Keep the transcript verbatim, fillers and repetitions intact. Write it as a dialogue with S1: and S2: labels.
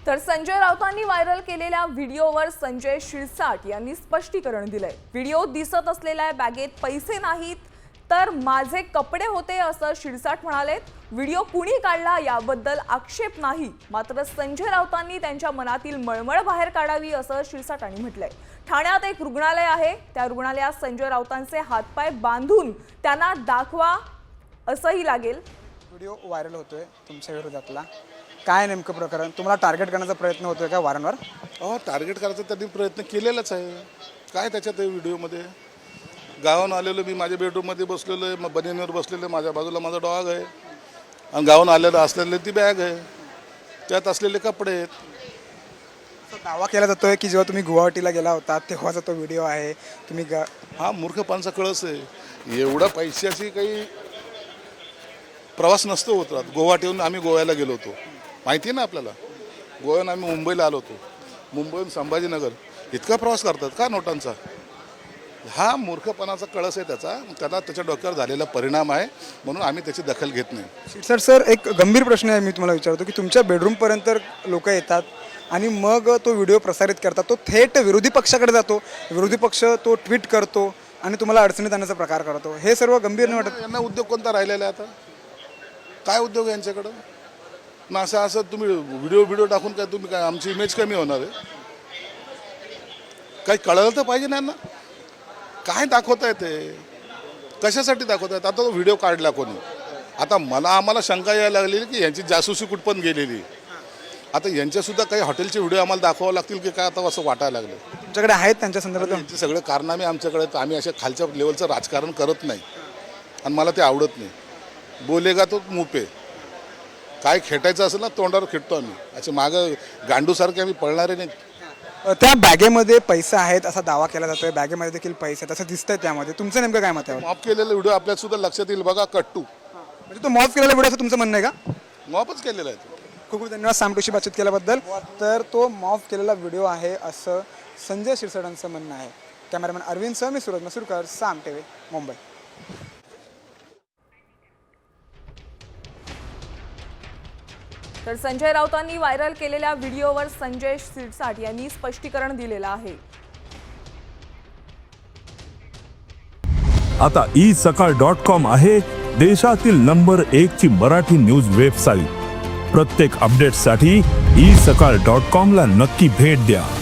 S1: तर संजय राऊतांनी व्हायरल केलेल्या व्हिडिओवर संजय शिरसाट यांनी स्पष्टीकरण दिलंय। व्हिडिओ दिसत असलेल्या बॅगेत पैसे नाहीत तर माझे कपडे होते असं शिरसाट म्हणालेत। व्हिडिओ कुणी काढला याबद्दल आक्षेप नाही, मात्र संजय राऊतांनी त्यांच्या मनातील मळमळ बाहेर काढावी असं शिरसाटांनी म्हटलंय। ठाण्यात एक रुग्णालय आहे, त्या रुग्णालयात संजय राऊतांचे हातपाय बांधून त्यांना दाखवा असंही लागेल।
S2: व्हिडिओ व्हायरल होतोय तुमच्या विरोधातला, काय नेमकं प्रकरण? तुम्हाला टार्गेट करण्याचा प्रयत्न होतोय का वारंवार?
S3: अहो टार्गेट करायचा त्यांनी प्रयत्न केलेलाच आहे। काय त्याच्यात व्हिडिओमध्ये गावाहून आलेलो मी माझ्या बेडरूममध्ये बसलेलो आहे, मग बनियनवर बसलेलो आहे, माझ्या बाजूला माझा डॉग आहे आणि गावाहून आलेलं असलेली ती बॅग आहे, त्यात असलेले कपडे आहेत।
S2: दावा केला जातोय की जेव्हा तुम्ही गुवाहाटीला गेला होता तेव्हाचा तो व्हिडिओ आहे। तुम्ही
S3: हा मूर्खपणाचा कळस आहे। एवढा पैशाची काही प्रवास नसतो होत राहत। गुवाहाटीहून आम्ही गोव्याला गेलो होतो, माहिती आहे ना आपल्याला। गोव्याहून आम्ही मुंबईला आलो होतो, मुंबईहून संभाजीनगर इतका प्रवास करतात का नोटांचा? हा मूर्खपणाचा कळस आहे त्याचा, त्याला त्याच्या डोक्यावर झालेला परिणाम आहे, म्हणून आम्ही त्याची दखल घेत नाही।
S2: शिरसाट सर, एक गंभीर प्रश्न आहे, मी तुम्हाला विचारतो की तुमच्या बेडरूमपर्यंत लोक येतात आणि मग तो व्हिडिओ प्रसारित करतात, तो थेट विरोधी पक्षाकडे जातो, विरोधी पक्ष तो ट्विट करतो आणि तुम्हाला अडचणीत आणण्याचा प्रकार करतो, हे सर्व गंभीर नाही वाटत?
S3: यांना उद्योग कोणता राहिलेला आहे आता? काय उद्योग आहे यांच्याकडं? ना असं असं तुम्ही व्हिडिओ व्हिडिओ टाकून काय तुम्ही काय आमची इमेज कमी होणार आहे? काही कळलं तर पाहिजे ना यांना, काय दाखवत आहे ते, कशासाठी दाखवत आहेत? आता तो व्हिडिओ काढला कोणी? आता मला आम्हाला शंका यायला लागलेली की यांची जासूसी कुठपर्यंत गेलेली। आता यांच्यासुद्धा काही हॉटेलचे व्हिडिओ आम्हाला दाखवावं लागतील की काय, आता असं वाटायला लागलं।
S2: तुमच्याकडे आहेत त्यांच्या संदर्भात?
S3: यांचे सगळे कारनामे आमच्याकडे, आम्ही अशा खालच्या लेवलचं राजकारण करत नाही आणि मला ते आवडत नाही। बोलेगा तो मुपे, काय खेटायचं असेल ना तोंडावर खेटतो आम्ही, असे मागं गांडूसारखे आम्ही पळणारे नाही।
S2: त्या बॅगेमध्ये पैसे आहेत असा दावा केला जातोय, बॅगेमध्ये देखील पैसे आहेत असं दिसतंय, त्यामध्ये तुमचं नेमकं काय मत आहे?
S3: मॉप केलेला व्हिडिओ आपल्याला सुद्धा लक्षात येईल बघा, कट्टू
S2: म्हणजे तो मॉफ केलेला व्हिडिओ असं तुमचं म्हणणं आहे का?
S3: मॉपच केलेला आहे।
S2: खूप खूप धन्यवाद सामटूशी बातचीत केल्याबद्दल। तर तो मॉफ केलेला व्हिडिओ आहे असं संजय शिरसाटांचं म्हणणं आहे। कॅमेरामॅन अरविंद सह मी सूरज मसूरकर, साम टीव्ही, मुंबई।
S1: तर संजय राऊतांनी व्हायरल केलेल्या व्हिडिओवर संजय शिरसाट यांनी स्पष्टीकरण दिलेलं आहे।
S4: आता ई सकाळ डॉट कॉम आहे देशातील नंबर एक ची मराठी न्यूज वेबसाईट। प्रत्येक अपडेटसाठी ई सकाळ डॉट कॉम ला नक्की भेट द्या।